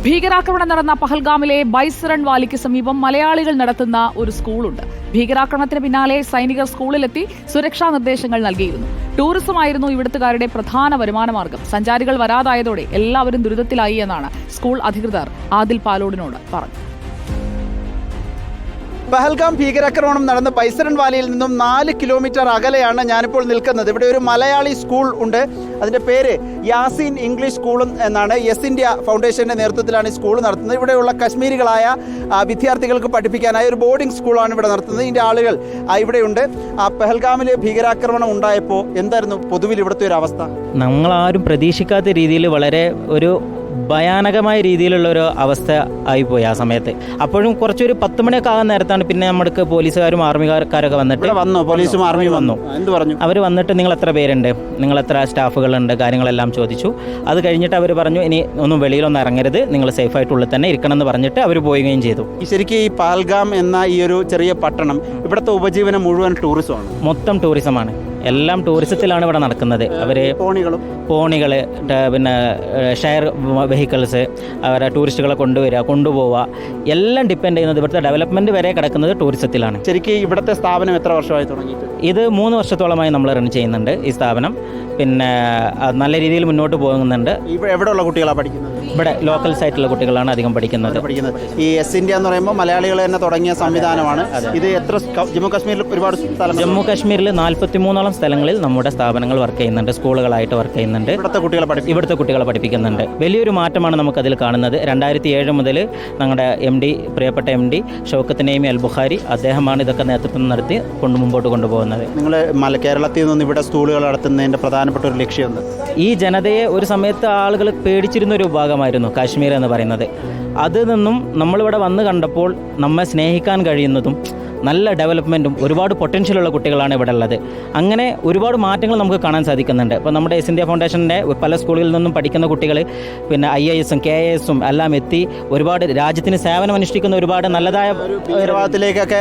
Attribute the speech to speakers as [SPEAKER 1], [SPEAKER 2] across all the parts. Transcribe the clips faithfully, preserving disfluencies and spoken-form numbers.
[SPEAKER 1] ഭീകരാക്രമണം നടന്ന പഹൽഗാമിലെ ബൈസറൺ വാലിക്ക് സമീപം മലയാളികൾ നടത്തുന്ന ഒരു സ്കൂളുണ്ട്. ഭീകരാക്രമണത്തിന് പിന്നാലെ സൈനികർ സ്കൂളിലെത്തി സുരക്ഷാ നിർദ്ദേശങ്ങൾ നൽകിയിരുന്നു. ടൂറിസമായിരുന്നു ഇവിടുത്തുകാരുടെ പ്രധാന വരുമാനമാർഗം. സഞ്ചാരികൾ വരാതായതോടെ എല്ലാവരും ദുരിതത്തിലായി എന്നാണ് സ്കൂൾ അധികൃതർ ആദിൽ പാലോടിനോട് പറഞ്ഞത്.
[SPEAKER 2] പഹൽഗാം ഭീകരാക്രമണം നടന്ന ബൈസറൺ വാലിയിൽ നിന്നും നാല് കിലോമീറ്റർ അകലെയാണ് ഞാനിപ്പോൾ നിൽക്കുന്നത്. ഇവിടെ ഒരു മലയാളി സ്കൂൾ ഉണ്ട്. അതിൻ്റെ പേര് യാസീൻ ഇംഗ്ലീഷ് സ്കൂൾ എന്നാണ്. യെസ് ഇന്ത്യ ഫൗണ്ടേഷൻ്റെ നേതൃത്വത്തിലാണ് ഈ സ്കൂൾ നടത്തുന്നത്. ഇവിടെയുള്ള കശ്മീരികളായ വിദ്യാർത്ഥികൾക്ക് പഠിപ്പിക്കാനായി ഒരു ബോർഡിംഗ് സ്കൂളാണ് ഇവിടെ നടത്തുന്നത്. ഇതിൻ്റെ ആളുകൾ ഇവിടെയുണ്ട്. പഹൽഗാമിൽ ഭീകരാക്രമണം ഉണ്ടായപ്പോൾ എന്തായിരുന്നു പൊതുവിൽ ഇവിടുത്തെ ഒരു അവസ്ഥ?
[SPEAKER 3] നമ്മളാരും പ്രതീക്ഷിക്കാത്ത രീതിയിൽ വളരെ ഒരു ഭയാനകമായ രീതിയിലുള്ള ഒരു അവസ്ഥ ആയിപ്പോയി ആ സമയത്ത്. അപ്പോഴും കുറച്ചൊരു പത്ത് മണിയൊക്കെ ആകാൻ നേരത്താണ് പിന്നെ നമ്മൾക്ക് പോലീസുകാരും ആർമിക്കാരൊക്കെ വന്നിട്ട്
[SPEAKER 2] വന്നു പോലീസും ആർമിയും വന്നു. എന്ത് പറഞ്ഞു?
[SPEAKER 3] അവർ വന്നിട്ട് നിങ്ങൾ എത്ര പേരുണ്ട്, നിങ്ങൾ എത്ര സ്റ്റാഫുകളുണ്ട്, കാര്യങ്ങളെല്ലാം ചോദിച്ചു. അത് കഴിഞ്ഞിട്ട് അവർ പറഞ്ഞു ഇനി ഒന്നും വെളിയിലൊന്നും ഇറങ്ങരുത്, നിങ്ങൾ സേഫായിട്ടുള്ളിൽ തന്നെ ഇരിക്കണം എന്ന് പറഞ്ഞിട്ട് അവർ പോവുകയും ചെയ്തു.
[SPEAKER 2] ശരിക്കും ഈ പഹൽഗാം എന്ന ഈ ഒരു ചെറിയ പട്ടണം ഇവിടുത്തെ ഉപജീവനം മുഴുവൻ ടൂറിസമാണ്,
[SPEAKER 3] മൊത്തം ടൂറിസമാണ്. എല്ലാം ടൂറിസത്തിലാണ് ഇവിടെ നടക്കുന്നത്. അവർ
[SPEAKER 2] പോണികളും
[SPEAKER 3] പോണികൾ പിന്നെ ഷെയർ വെഹിക്കിൾസ് അവരെ ടൂറിസ്റ്റുകളെ കൊണ്ടുവരിക കൊണ്ടുപോവുക എല്ലാം ഡിപ്പെൻഡ് ചെയ്യുന്നത് ഇവിടുത്തെ ഡെവലപ്മെൻറ്റ് വരെ കിടക്കുന്നത് ടൂറിസത്തിലാണ്.
[SPEAKER 2] ശരിക്കും ഇവിടുത്തെ സ്ഥാപനം എത്ര വർഷമായി തുടങ്ങിയിട്ട്?
[SPEAKER 3] ഇത് മൂന്ന് വർഷത്തോളമായി നമ്മൾ റൺ ചെയ്യുന്നുണ്ട് ഈ സ്ഥാപനം. പിന്നെ നല്ല രീതിയിൽ മുന്നോട്ട് പോകുന്നുണ്ട്.
[SPEAKER 2] എവിടെയുള്ള കുട്ടികളാണ് പഠിക്കുന്നത്?
[SPEAKER 3] ഇവിടെ ലോക്കൽ സൈറ്റിലുള്ള കുട്ടികളാണ് അധികം പഠിക്കുന്നത്.
[SPEAKER 2] പഠിക്കുന്നത് ഈ എസ് ഇന്ത്യ എന്ന് പറയുമ്പോൾ മലയാളികൾ തന്നെ തുടങ്ങിയ സംവിധാനമാണ്. ഇത് എത്ര ജമ്മു കാശ്മീരിൽ ഒരുപാട് സ്ഥലം
[SPEAKER 3] ജമ്മു കാശ്മീരിൽ നാൽപ്പത്തി മൂന്നോളം സ്ഥലങ്ങളിൽ നമ്മുടെ സ്ഥാപനങ്ങൾ വർക്ക് ചെയ്യുന്നുണ്ട്, സ്കൂളുകളായിട്ട് വർക്ക് ചെയ്യുന്നുണ്ട്.
[SPEAKER 2] ഇവിടുത്തെ കുട്ടികളെ പഠിപ്പിക്കും
[SPEAKER 3] ഇവിടുത്തെ കുട്ടികളെ പഠിപ്പിക്കുന്നുണ്ട്. വലിയൊരു മാറ്റമാണ് നമുക്കതിൽ കാണുന്നത്. രണ്ടായിരത്തി ഏഴ് മുതൽ ഞങ്ങളുടെ എം ഡി പ്രിയപ്പെട്ട എം ഡി ഷൗക്കത്ത് നൈമി അൽ ബുഖാരി അദ്ദേഹമാണ് ഇതൊക്കെ നേതൃത്വം നടത്തി കൊണ്ട് മുമ്പോട്ട് കൊണ്ടുപോകുന്നത്.
[SPEAKER 2] നിങ്ങൾ മല കേരളത്തിൽ നിന്ന് ഇവിടെ സ്കൂളുകൾ നടത്തുന്നതിൻ്റെ പ്രധാനപ്പെട്ട ഒരു ലക്ഷ്യം എന്ത്?
[SPEAKER 3] ഈ ജനതയെ ഒരു സമയത്ത് ആളുകൾ പേടിച്ചിരുന്ന ഒരു ഭാഗമായിരുന്നു കാശ്മീർ എന്ന് പറയുന്നത്. അതിൽ നിന്നും നമ്മളിവിടെ വന്ന് കണ്ടപ്പോൾ നമ്മെ സ്നേഹിക്കാൻ കഴിയുന്നതും നല്ല ഡെവലപ്മെൻറ്റും ഒരുപാട് പൊട്ടൻഷ്യലുള്ള കുട്ടികളാണ് ഇവിടെ ഉള്ളത്. അങ്ങനെ ഒരുപാട് മാറ്റങ്ങൾ നമുക്ക് കാണാൻ സാധിക്കുന്നുണ്ട്. ഇപ്പോൾ നമ്മുടെ എസ് ഇന്ത്യ ഫൗണ്ടേഷൻ്റെ പല സ്കൂളുകളിൽ നിന്നും പഠിക്കുന്ന കുട്ടികൾ പിന്നെ ഐ എ എസും കെ എ എസും എല്ലാം എത്തി ഒരുപാട് രാജ്യത്തിന് സേവനം അനുഷ്ഠിക്കുന്ന ഒരുപാട് നല്ലതായ
[SPEAKER 2] ഭീകരവാദത്തിലേക്കൊക്കെ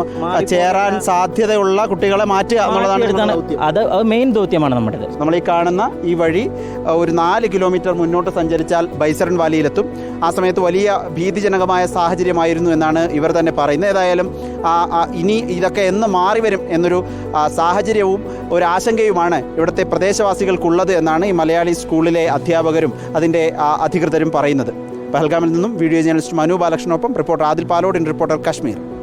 [SPEAKER 2] ചേരാൻ സാധ്യതയുള്ള കുട്ടികളെ മാറ്റുക എന്നുള്ളതാണ്.
[SPEAKER 3] അത് അത് മെയിൻ ദൗത്യമാണ് നമ്മുടേത്.
[SPEAKER 2] നമ്മൾ ഈ കാണുന്ന ഈ വഴി ഒരു നാല് കിലോമീറ്റർ മുന്നോട്ട് സഞ്ചരിച്ചാൽ ബൈസറൺ വാലിയിലെത്തും. ആ സമയത്ത് വലിയ ഭീതിജനകമായ സാഹചര്യമായിരുന്നു എന്നാണ് ഇവർ തന്നെ പറയുന്നത്. ഏതായാലും ഇനി ഇതൊക്കെ എന്ന് മാറി വരും എന്നൊരു സാഹചര്യവും ഒരു ആശങ്കയുമാണ് ഇവിടുത്തെ പ്രദേശവാസികൾക്കുള്ളത് എന്നാണ് ഈ മലയാളി സ്കൂളിലെ അധ്യാപകരും അതിൻ്റെ അധികൃതരും പറയുന്നത്. പഹൽഗാമിൽ നിന്നും വീഡിയോ ജേർണലിസ്റ്റ് മനു ബാലകൃഷ്ണനൊപ്പം റിപ്പോർട്ടർ ആദിൽ പാലോടിൻ, റിപ്പോർട്ടർ കശ്മീർ.